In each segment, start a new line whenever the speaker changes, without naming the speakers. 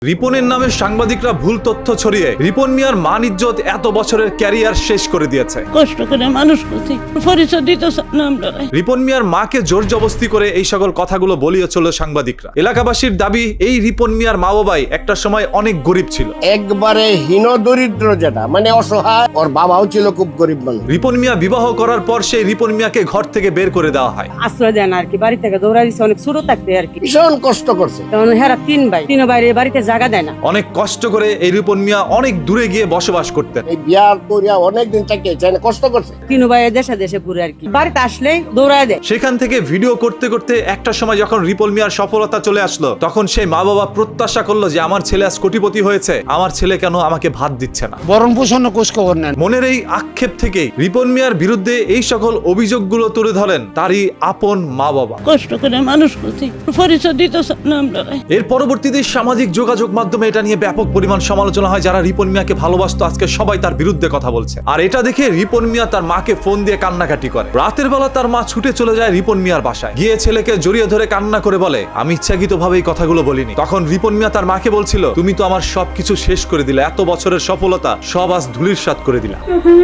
রিপনের নামে সাংবাদিকরা ভুল তথ্য ছড়িয়ে রিপন মিয়ার মান ইজ্জত এত বছরের ক্যারিয়ার শেষ করে দিয়েছে।
কষ্ট করে মানুষ করছি, পরিচয় দিতে না আমরা।
রিপন মিয়ার মাকে জোর জবস্তি করে এই সকল কথাগুলো বলিয়েছিল সাংবাদিকরা। এলাকাবাসীর দাবি, এই রিপন মিয়ার মা বাবাই একটা সময় অনেক গরিব ছিল,
একবারে হীন দরিদ্র, যেটা মানে অসহায়। ওর বাবাও ছিল খুব গরিব মানুষ।
রিপন মিয়া বিবাহ করার পর সেই রিপন মিয়াকে ঘর থেকে বের করে দেওয়া হয়।
আশ্রয় দেন আর কি, বাড়ি থেকে দৌড়া দিচ্ছে অনেক ছোট থাকতে আর কি।
ভীষণ কষ্ট করছে।
তখন হেরা তিন ভাই বাড়িতে জায়গা দেয় না।
অনেক কষ্ট করে এই রিপন মিয়া অনেক দূরে গিয়ে বসবাস করতেন।
এই বিয়ার করিয়া অনেকদিন থাকিয়েছে, কষ্ট করছে।
তিন ভাই দেশে দেশে পুরে আর কি, বাড়িতে আসলেই দৌড়ায় দেয়।
সেখান থেকে ভিডিও করতে করতে একটা সময় যখন রিপন মিয়ার সফলতা চলে আসলো, তখন সেই মা বাবা প্রত্যাশা করলো যে আমার ছেলে আজ কোটিপতি হয়েছে, আমার ছেলে কেন আমাকে ভাত দিচ্ছে না।
বরণ পোষণ কোষ খবর নেন।
মনের এই আক্ষেপ থেকেই রিপন মিয়ার বিরুদ্ধে এই সকল অভিযোগগুলো তুলে ধরেন তারই আপন মা বাবা।
কষ্ট করে মানুষ করছি, পরিচয় দিতে না আমরা।
এর পরবর্তীতে সামাজিক যোগাযোগ মাধ্যমে এটা নিয়ে ব্যাপক পরিমাণ সমালোচনা হয়। যারা রিপন মিয়াকে ভালোবাসতো আজকে সবাই তার বিরুদ্ধে কথা বলছে। আর এটা দেখে রিপন মিয়া তার মাকে ফোন দিয়ে কান্নাকাটি করে। রাতের বেলা তার মা ছুটে চলে যায় রিপন মিয়ার বাসায়, গিয়ে ছেলেকে জড়িয়ে ধরে কান্না করে বলে, আমি ইচ্ছাকৃতভাবে এই কথাগুলো বলিনি। তখন রিপন মিয়া তার মাকে বলছিল, তুমি তো আমার সবকিছু শেষ করে দিলে, এত বছরের সফলতা সব আজ ধুলির সাৎ করে দিলা।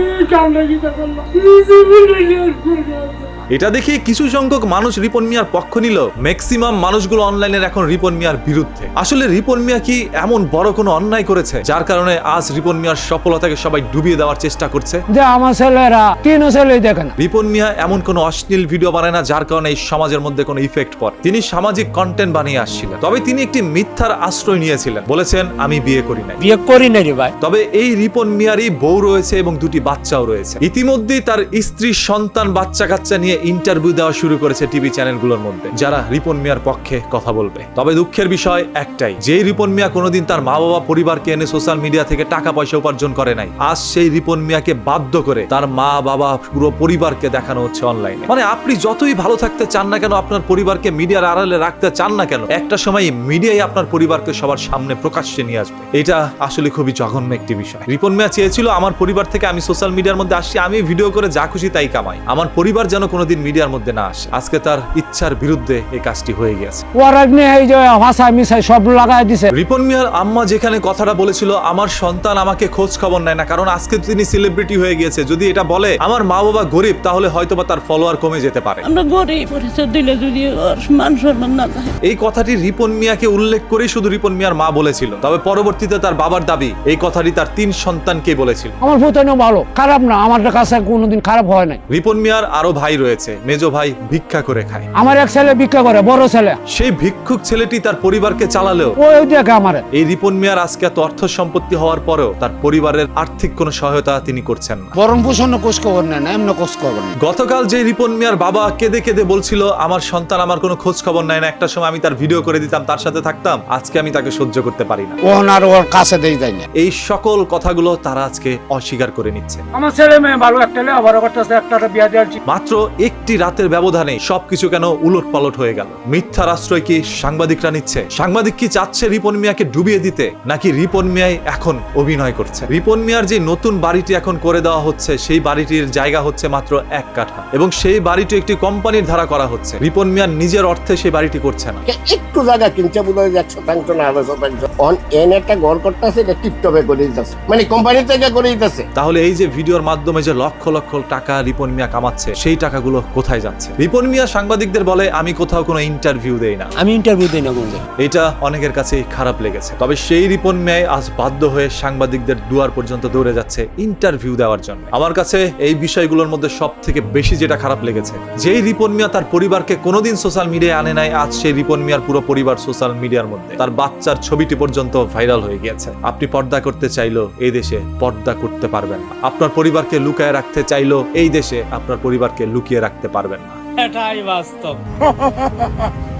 এটা দেখে কিছু সংখ্যক মানুষ রিপন মিয়ার পক্ষ নিল, ম্যাক্সিমাম মানুষগুলো অনলাইনের এখন রিপন মিয়ার বিরুদ্ধে। আসলে রিপন মিয়া কি এমন বড় কোনো অন্যায় করেছে যার কারণে আজ রিপন মিয়ার সফলতাকে সবাই ডুবিয়ে দেওয়ার চেষ্টা করছে?
যে আমার ছেলেরা তিন ছেলেই দেখে না।
রিপন মিয়া এমন কোনো অশ্লীল ভিডিও বানায় না যার কারণে এই সমাজের মধ্যে কোনো ইফেক্ট পড়ে। তিনি সামাজিক কন্টেন্ট বানিয়ে আসছিলেন, তবে তিনি একটি মিথ্যার আশ্রয় নিয়েছিলেন। বলেছেন, আমি বিয়ে করি নাই।
বিয়ে করি না রে ভাই।
তবে এই রিপন মিয়ারই বউ রয়েছে এবং দুটি বাচ্চাও রয়েছে। ইতিমধ্যেই তার স্ত্রী, সন্তান, বাচ্চা কাচ্চা নিয়ে ইন্টারভিউ দেওয়া শুরু করেছে টিভি চ্যানেলগুলোর মধ্যে, যারা রিপন মিয়ার পক্ষে কথা বলবে। তবে দুঃখের বিষয় একটাই, যে রিপন মিয়া কোনোদিন তার মা বাবা পরিবারকে এনে সোশ্যাল মিডিয়া থেকে টাকা পয়সা উপার্জন করে নাই, আজ সেই রিপন মিয়াকে বাধ্য করে তার মা বাবা পুরো পরিবারকে দেখানো হচ্ছে অনলাইনে। মানে আপনি যতই ভালো থাকতে চান না কেন, আপনার পরিবারকে মিডিয়ার আড়ালে রাখতে চান না কেন, একটা সময় মিডিয়াই আপনার পরিবারকে সবার সামনে প্রকাশ্যে নিয়ে আসবে। এটা আসলে খুবই জঘন্য একটি বিষয়। রিপন মিয়া চেয়েছিল, আমার পরিবার থেকে আমি সোশ্যাল মিডিয়ার মধ্যে আসছি, আমি ভিডিও করে যা খুশি তাই কামাই, আমার পরিবার যেন কোনোদিন মিডিয়ার মধ্যে না আসে। আজকে তার ইচ্ছার বিরুদ্ধে এই কাজটি হয়ে গেছে।
এই যে ভাষা মিশাই সব লাগাই দিছে।
রিপন মিয়ার আম্মা যেখানে কথাটা বলেছিল, আমার সন্তান আমাকে খোঁজ খবর নেয় না, কারণ আজকে তিনি সেলিব্রিটি হয়ে গিয়েছে, যদি এটা বলে আমার মা বাবা গরিব, তাহলে হয়তোবা তার ফলোয়ার কমে যেতে পারে।
আমরা গরিব, পরিচয় দিলে যদি মান সম্মান না থাকে।
এই কথাটি রিপন মিয়াকে উল্লেখ করে শুধু রিপন মিয়ার মা বলেছিল, তবে পরবর্তীতে তার বাবার দাবি এই কথাটি তার 3 সন্তানকে বলেছিল।
আমার ভূতানো ভালো, খারাপ না, আমার কাছে কোনোদিন খারাপ হয় নাই।
রিপন মিয়ার আরো ভাই রয়েছে, মেজো ভাই ভিক্ষা করে খায়।
আমার এক ছেলে ভিক্ষা করে, বড় ছেলে।
সেই ভিক্ষুক ছেলেটি তার পরিবারকে চালালেও
ওই দেখে আমার
এই রিপন মিয়ার আজকে এত অর্থ সম্পত্তি হওয়ার পরেও তার পরিবারের আর্থিক কোনো সহায়তা তিনি করছেন না।
বরণ পোষণ কোষ খবর নেন, এমন কোষ খবর নেন।
গতকাল যে রিপন মিয়ার বাবা কেঁদে কেঁদে বলছিল, আমার সন্তান আমার কোনো খোঁজ খবর নেয় না, একটা সময় আমি তার ভিডিও করে দিতাম, তার সাথে থাকতাম, আজকে আমি তাকে সহ্য করতে পারি না,
আর ওর কাছে দেই যায় না।
এই সকল কথাগুলো তারা আজকে অস্বীকার করে নিচ্ছে।
আমার ছেলে মেয়ে ভালো, একটা আবার করতেছে, একটা বিয়া দিয়েছি।
মাত্র একটি রাতের ব্যবধানে সবকিছু কেন উলট পালট হয়ে গেল? মিথ্যার আশ্রয় কি সাংবাদিকরা নিচ্ছে? সাংবাদিক কি চাচ্ছে রিপন মিয়াকে ডুবিয়ে দিতে, নাকি রিপন মিয়াই এখন অভিনয় করছে? রিপন মিয়ার যে নতুন বাড়িটি এখন করে দেওয়া হচ্ছে, সেই বাড়িটির জায়গা হচ্ছে মাত্র 1 কাঠা, এবং সেই বাড়িটি একটি কোম্পানির ধারা করা হচ্ছে। রিপন মিয়ার নিজের অর্থে সেই বাড়িটি করছে না।
একটু জায়গা কিনছে বোধ হয় 100% না 100%। এন একটা ঘর করতেছে, এটা টিপটপে করে দিতেছে, মানে কোম্পানি থেকে করে দিতেছে।
তাহলে এই যে ভিডিওর মাধ্যমে যে লক্ষ লক্ষ টাকা রিপন মিয়া কামাচ্ছে, সেই টাকাগুলো কোথায় যাচ্ছে? রিপন মিয়া সাংবাদিকদের বলে, আমি কোথাও কোনো ইন্টারভিউ দেই না,
আমি ইন্টারভিউ দেই না কোনদিন।
এটা অনেকের কাছে খারাপ লেগেছে। তবে সেই রিপন মিয়াই আজ বাধ্য হয়ে সাংবাদিকদের দুয়ার পর্যন্ত দৌড়ে যাচ্ছে ইন্টারভিউ দেওয়ার জন্য। আমার কাছে এই বিষয়গুলোর মধ্যে সব থেকে বেশি যেটা খারাপ লেগেছে, যেই রিপন মিয়া তার পরিবারকে কোনোদিন সোশ্যাল মিডিয়ায় আনে নাই, আজ সেই রিপন মিয়ার পুরো পরিবার সোশ্যাল মিডিয়ার মধ্যে, তার বাচ্চার ছবিটি পর্যন্ত ভাইরাল হয়ে গিয়েছে। আপনি পর্দা করতে চাইলেও এই দেশে পর্দা করতে পারবেন না, আপনার পরিবারকে লুকায় রাখতে চাইলেও এই দেশে আপনার পরিবারকে লুকিয়ে রাখতে পারবেন না।
এটাই বাস্তব।